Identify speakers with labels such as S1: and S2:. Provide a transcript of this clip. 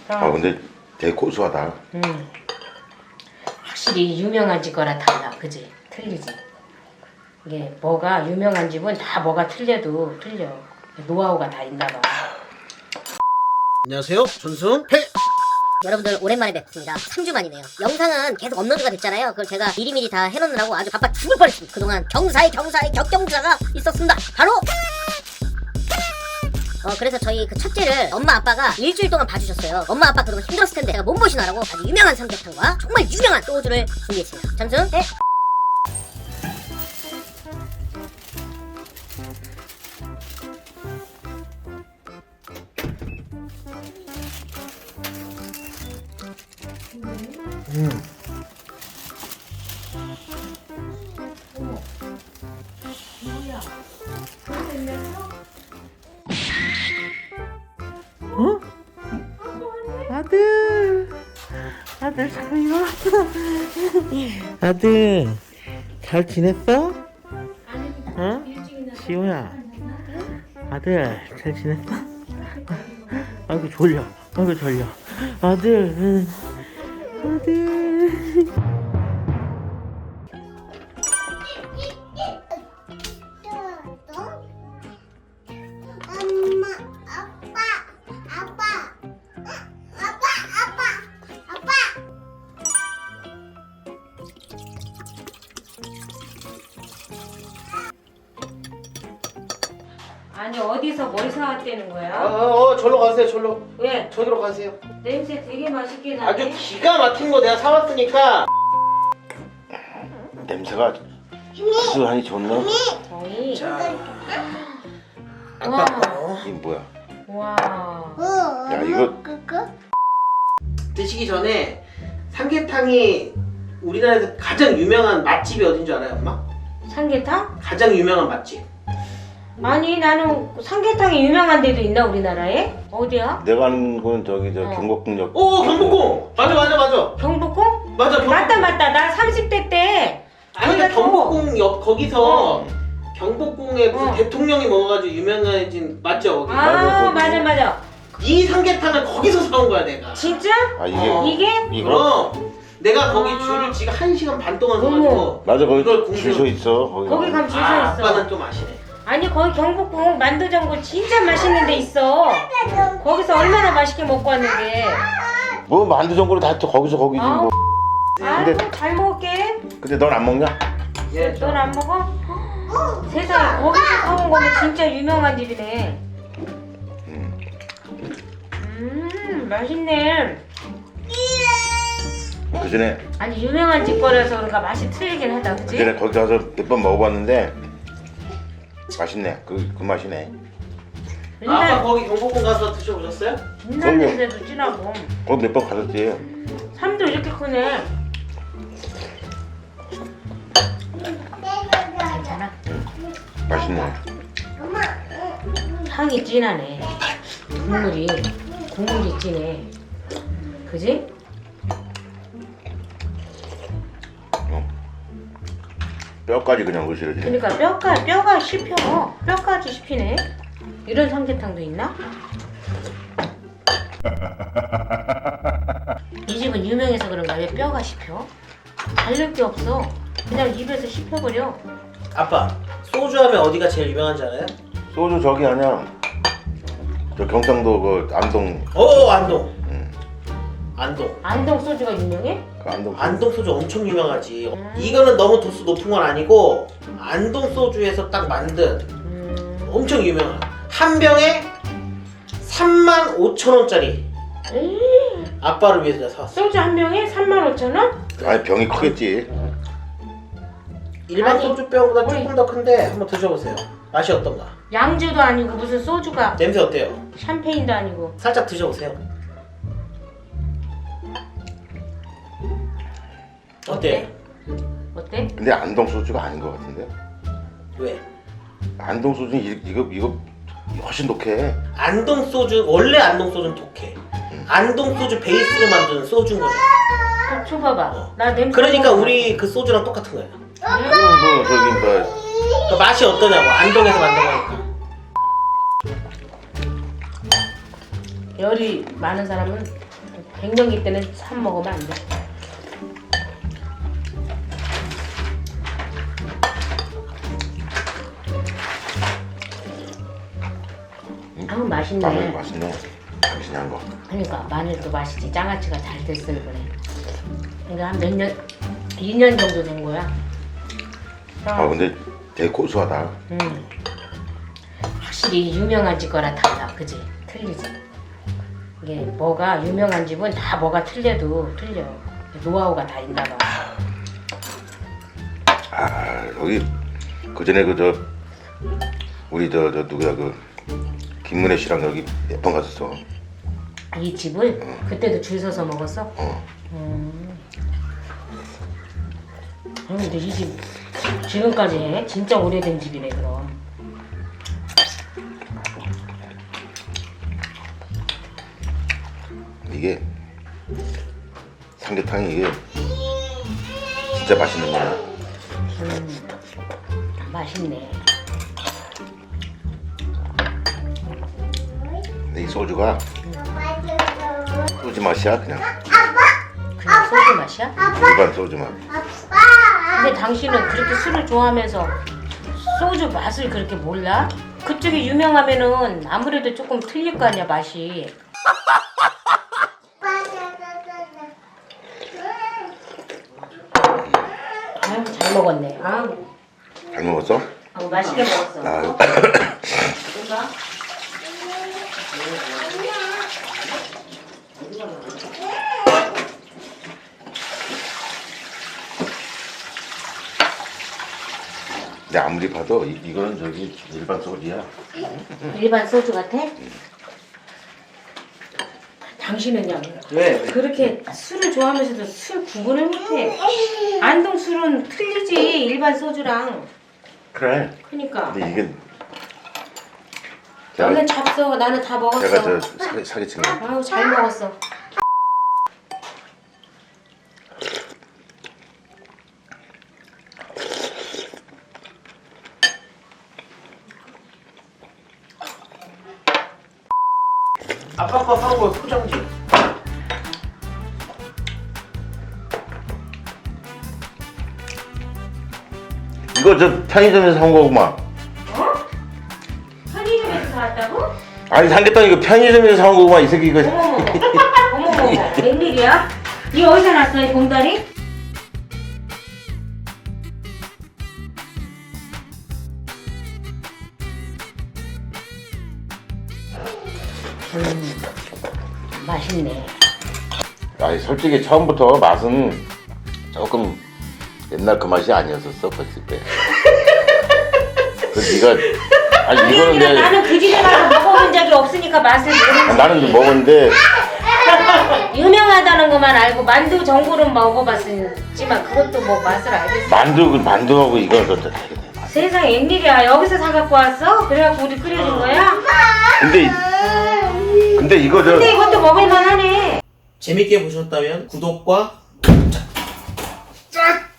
S1: 아 근데 되게 고소하다.
S2: 확실히 유명한 집 거라 달라, 그지? 틀리지. 이게 뭐가 유명한 집은 다 뭐가 틀려도 틀려. 노하우가 다 있나 봐.
S3: 안녕하세요, 전승패.
S4: 여러분들 오랜만에 뵙습니다. 3주 만이네요. 영상은 계속 업로드가 됐잖아요. 그걸 제가 미리미리 다 해놓느라고 아주 바빠 죽을 뻔했습니다. 그동안 경사에 격경사가 있었습니다. 바로 그래서 저희 그 첫째를 엄마 아빠가 일주일 동안 봐주셨어요. 엄마 아빠 그동안 힘들었을 텐데 제가 몸보신하라고 아주 유명한 삼계탕과 정말 유명한 소주를 준비했습니다. 점승 네.
S5: 어? 아들 잘 일어났어. 아들 잘 지냈어? 어? 시우야 아들 잘 지냈어? 아이고 졸려 아들
S2: 아니 어디서 뭘 사왔다는 거야?
S3: 절로 가세요, 절로.
S2: 왜?
S3: 저기로 가세요.
S2: 냄새 되게 맛있게
S3: 아주
S2: 나네.
S3: 기가 막힌 거 내가 사왔으니까.
S1: 냄새가 고소하니 좋네.
S2: 어이.
S3: 자,
S2: 와.
S3: 아빠 거.
S1: 이 뭐야?
S2: 와.
S1: 야 이거
S3: 드시기 전에 삼계탕이 우리나라에서 가장 유명한 맛집이 어딘 줄 알아요, 엄마?
S2: 삼계탕?
S3: 가장 유명한 맛집.
S2: 아니 나는 삼계탕이 유명한 데도 있나 우리나라에? 어디야?
S1: 내가 아는 건 저기 저
S2: 어.
S1: 경복궁역.
S3: 오, 경복궁. 맞아.
S2: 경복궁?
S3: 맞아.
S2: 맞다. 나 30대 때.
S3: 아니,
S2: 거기가
S3: 경복궁 옆 거기서
S2: 어.
S3: 경복궁에 무슨
S2: 어.
S3: 대통령이 먹어가지고 유명해진 맞죠? 거기.
S2: 아
S1: 거기.
S2: 맞아.
S3: 이 삼계탕을 거기서 사온 거야 내가.
S2: 진짜?
S1: 아 이게
S3: 어.
S2: 이게?
S1: 이거
S3: 그럼 내가 거기
S2: 아.
S3: 줄을 지금 1시간 반 동안
S2: 어머.
S3: 서가지고.
S1: 맞아 거기
S3: 이걸
S1: 줄 서 있어.
S2: 거기 가면 줄 서
S3: 아,
S2: 있어.
S3: 아빠는 좀 아시네.
S2: 아니 거기 경복궁 만두전골 진짜 맛있는 데 있어. 거기서 얼마나 맛있게 먹고 왔는데.
S1: 뭐 만두 전골이 다 또 거기서 거기지 뭐.
S2: 아유 잘 먹을게.
S1: 근데 넌 안 먹냐?
S3: 예,
S2: 넌 안 먹어? 세상에 거기서 사온 거면 진짜 유명한 집이네. 맛있네.
S1: 그 전에
S2: 아니 유명한 집 거라서 그런가 맛이 틀리긴 하다, 그치?
S1: 거기 가서 몇 번 먹어봤는데 맛있네. 그 맛이네.
S3: 아빠
S2: 옛날
S3: 거기 경복궁 가서 드셔보셨어요?
S2: 옛날 냄새도 진하고
S1: 거기 몇 번 갔었지.
S2: 삶도 이렇게 크네. 괜찮아?
S1: 맛있네.
S2: 향이 진하네. 국물이 진해. 그지?
S1: 뼈까지 그냥 으스러지네.
S2: 그러니까 뼈가 씹혀. 뼈까지 씹히네. 이런 삼계탕도 있나? 이 집은 유명해서 그런가 왜 뼈가 씹혀? 다를 게 없어. 그냥 입에서 씹혀버려.
S3: 아빠 소주 하면 어디가 제일 유명한지 알아요?
S1: 소주 저기 아니야. 저 경상도 그 안동.
S3: 안동. 안동.
S2: 안동 소주가 유명해?
S1: 그 안동.
S3: 안동 소주 엄청 유명하지. 이거는 너무 도수 높은 건 아니고 안동 소주에서 딱 만든 엄청 유명한. 한 병에 35,000원짜리. 아빠를 위해서 내가 사왔어.
S2: 소주 한 병에 35,000원?
S1: 아니 병이 크겠지.
S3: 일반
S2: 아니,
S3: 소주병보다
S2: 우리-
S3: 조금 더 큰데 한번 드셔보세요. 맛이 어떤가?
S2: 양주도 아니고 무슨 소주가
S3: 냄새 어때요?
S2: 샴페인도 아니고.
S3: 살짝 드셔보세요. 어때?
S2: 어때?
S1: 근데 안동 소주가 아닌 것 같은데.
S3: 왜?
S1: 안동 소주는 이거 훨씬 독해.
S3: 안동 소주 원래 안동 소주는 독해. 안동 소주 베이스로 만드는 소주인 거죠.
S2: 좀 줘봐봐.
S3: 어.
S2: 나 냄새.
S3: 그러니까
S2: 맡아봐.
S3: 우리 그 소주랑 똑같은 거예요.
S1: 뭐 저기 뭐
S3: 그 맛이 어떠냐고. 안동에서 만든 거니까.
S2: 열이 많은 사람은 갱년기 때는 참 먹으면 안 돼. 아우 맛있네.
S1: 마늘 맛있네. 당신한 거.
S2: 그러니까 마늘도 맛있지. 장아찌가 잘 됐어 이번에. 그러니까 한 몇 년, 2년 정도 된 거야.
S1: 아 근데 되게 고소하다.
S2: 확실히 유명한 집 거라 달라, 그지? 틀리지. 이게 뭐가 유명한 집은 다 뭐가 틀려도 틀려. 노하우가 다 있나 봐.
S1: 아 여기 그 전에 우리 저 누구야 그 김문혜 씨랑 여기 몇 번 갔었어.
S2: 이 집을 그때도 줄 서서 먹었어? 근데 이 집 지금까지 해? 진짜 오래된 집이네 그럼.
S1: 이게 삼계탕이 이게 진짜 맛있는 거야.
S2: 맛있네.
S1: 근데 이 소주가 소주 맛이야 그냥
S2: 그냥 소주 맛이야?
S1: 일반 소주 맛.
S2: 근데 당신은 그렇게 술을 좋아하면서 소주 맛을 그렇게 몰라? 그쪽이 유명하면은 아무래도 조금 틀릴 거 아니야 맛이. 아유 잘 먹었네. 아유
S1: 잘 먹었어?
S2: 맛있게 먹었어.
S1: 아,
S2: 누가?
S1: 근데 아무리 봐도 이거는 저기 일반 소주야.
S2: 일반 소주 같아? 당신은요?
S3: 왜?
S2: 그렇게 술을 좋아하면서도 술 구분을 못해. 안동 술은 틀리지 일반 소주랑.
S1: 그래.
S2: 그러니까
S1: 근데 이게
S2: 너는 잡숴 나는 다 먹었어.
S1: 제가 저 사기친 거.
S2: 아우 잘 먹었어.
S3: 아빠 거 사온 거 포장지.
S1: 이거 저 편의점에서 산 거구만.
S2: 편의점에서 사왔다고?
S1: 아니 삼계탕 이거 편의점에서 산 거구만 이 새끼 이거.
S2: 어머머. 어머머. 웬일이야? 이 어디서 났어 이 봉다리? 맛있네.
S1: 아니 솔직히 처음부터 맛은 조금 옛날 그 맛이 아니었었어 봤을 때. 그 네가 아니 이거는 내
S2: 나는 그 집에 가서 먹어본 적이 없으니까 맛을 모르지.
S1: 나는 먹었는데
S2: 유명하다는 것만 알고 만두 전골은 먹어봤지만 그것도 뭐 맛을 알겠어.
S1: 만두하고 이건 또 다르게 돼.
S2: 세상에 웬일이야. 여기서 사갖고 왔어? 그래갖고 우리 끓여준 거야?
S1: 근데 이거 저
S2: 근데 이것도 먹을만 하네.
S3: 재밌게 보셨다면 구독과 짝!